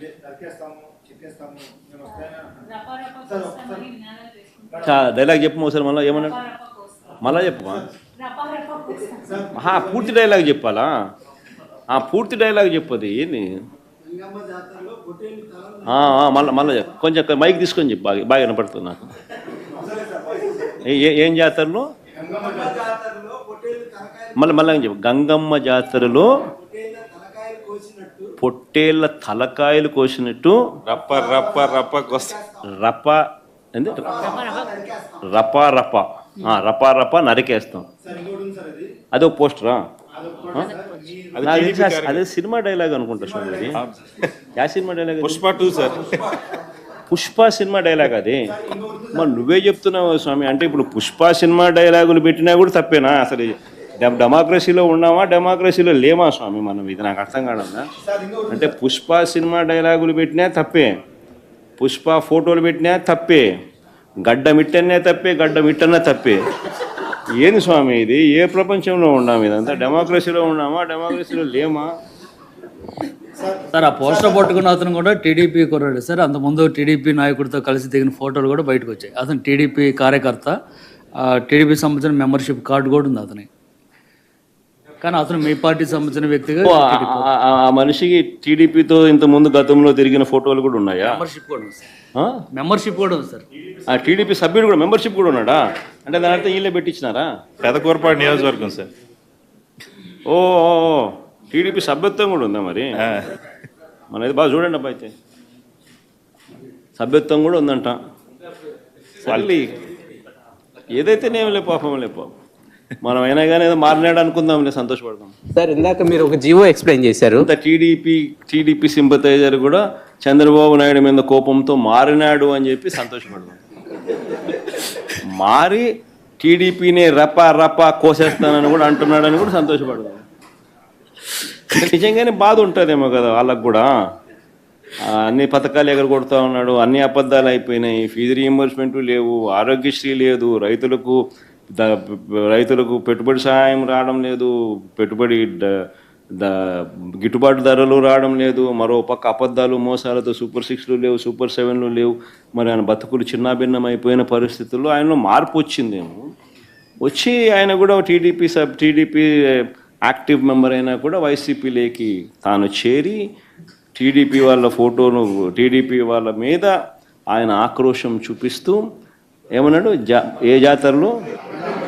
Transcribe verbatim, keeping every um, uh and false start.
Dialogue చెప్పు ఒకసారి మళ్ళీ ఏమన్నాడు మళ్ళా చెప్పు పూర్తి డైలాగ్ చెప్పాలా పూర్తి డైలాగ్ చెప్పది ఏంది మళ్ళీ మళ్ళీ కొంచెం మైక్ తీసుకొని చెప్పు బాగా బాగా వినపడుతుంది నాకు ఏం జాతరలో మళ్ళీ మళ్ళీ చెప్పు గంగమ్మ జాతరలో పొట్టేళ్ళ తలకాయలు కోసినట్టు రప్ప రప్ప రప్ప రప్ప ఏంది రపా రప రపా రప నరికేస్తాం. అదో పోస్టరా? అదే సినిమా డైలాగ్ అనుకుంటా స్వామి. Yeah cinema dialogue? Pushpa two sir. Pushpa cinema dialogue అది. మరి నువ్వే చెప్తున్నావు స్వామి. అంటే ఇప్పుడు పుష్ప సినిమా డైలాగులు పెట్టినా కూడా తప్పేనా? అసలు డెమోక్రసీలో ఉన్నామా డెమోక్రసీలో లేమా స్వామి మనం? ఇది నాకు అర్థం కాదన్నా. అంటే పుష్ప సినిమా డైలాగులు పెట్టినా తప్పే, పుష్ప ఫోటోలు పెట్టినా తప్పే, గడ్డ మిట్టనే తప్పే, గడ్డ మిట్టనే తప్పే. ఏంది స్వామి ఇది? ఏ ప్రపంచంలో ఉన్నాము? ఇదంతా డెమోక్రసీలో ఉన్నామా డెమోక్రసీలో లేమా? సార్ ఆ పోస్టర్ పట్టుకున్న అతను కూడా టీడీపీ కుర్రాడు సార్. అంతకుముందు టీడీపీ నాయకుడితో కలిసి దిగిన ఫోటోలు కూడా బయటకు వచ్చాయి. అతను టీడీపీ కార్యకర్త, టీడీపీ సంబంధించిన మెంబర్షిప్ కార్డు కూడా ఉంది అతని. కానీ అతను మీ పార్టీ సంబంధించిన వ్యక్తిగా ఆ మనిషికి టీడీపీతో ఇంత ముందు గతంలో తిరిగిన ఫోటోలు కూడా ఉన్నాయా? మెంబర్షిప్ కూడా ఉంది సార్. మెంబర్షిప్ కూడా ఉంది సార్. ఆ టీడీపీ సభ్యుడు కూడా మెంబర్షిప్ కూడా ఉన్నాడా? అంటే దాని అర్థం వీళ్ళే పెట్టించినారా? పెదకూరపాడు నియోజకవర్గం సార్. ఓ టీడీపీ సభ్యత్వం కూడా ఉందా మరి? మనది బాగా చూడండి అబ్బా. అయితే సభ్యత్వం కూడా ఉందంట. మళ్ళీ ఏదైతే నేం లే పాపం లే పాపం. మనం అయినా కానీ ఏదో మారినాడు అనుకుందాం, నేను సంతోషపడతాం. సార్ ఇందాక మీరు ఒక జీవో ఎక్స్ప్లెయిన్ చేశారు. టీడీపీ టీడీపీ సింపథైజర్ కూడా చంద్రబాబు నాయుడు మీద కోపంతో మారినాడు అని చెప్పి సంతోషపడతాం. మారి టీడీపీని రప రప కోసేస్తానని కూడా అంటున్నాడని కూడా సంతోషపడతాం. నిజంగానే బాధ ఉంటుందేమో కదా వాళ్ళకు కూడా. అన్ని పథకాలు ఎగరగొడతా ఉన్నాడు, అన్ని అబద్ధాలు అయిపోయినాయి, ఫీజు రీయింబర్స్మెంట్ లేవు, ఆరోగ్యశ్రీ లేదు, రైతులకు ద రైతులకు పెట్టుబడి సహాయం రావడం లేదు, పెట్టుబడి ద గిట్టుబాటు ధరలు రావడం లేదు, మరో పక్క అబద్ధాలు మోసాలతో సూపర్ సిక్స్లు లేవు, సూపర్ సెవెన్లు లేవు. మరి ఆయన బతుకులు చిన్నాభిన్నం అయిపోయిన పరిస్థితుల్లో ఆయనలో మార్పు వచ్చిందేమో. వచ్చి ఆయన కూడా TDP sub TDP active member అయినా కూడా వైసీపీలోకి తాను చేరి టీడీపీ వాళ్ళ ఫోటోను టీడీపీ వాళ్ళ మీద ఆయన ఆక్రోశం చూపిస్తూ ఏమన్నాడు? జా ఏ జాతరలో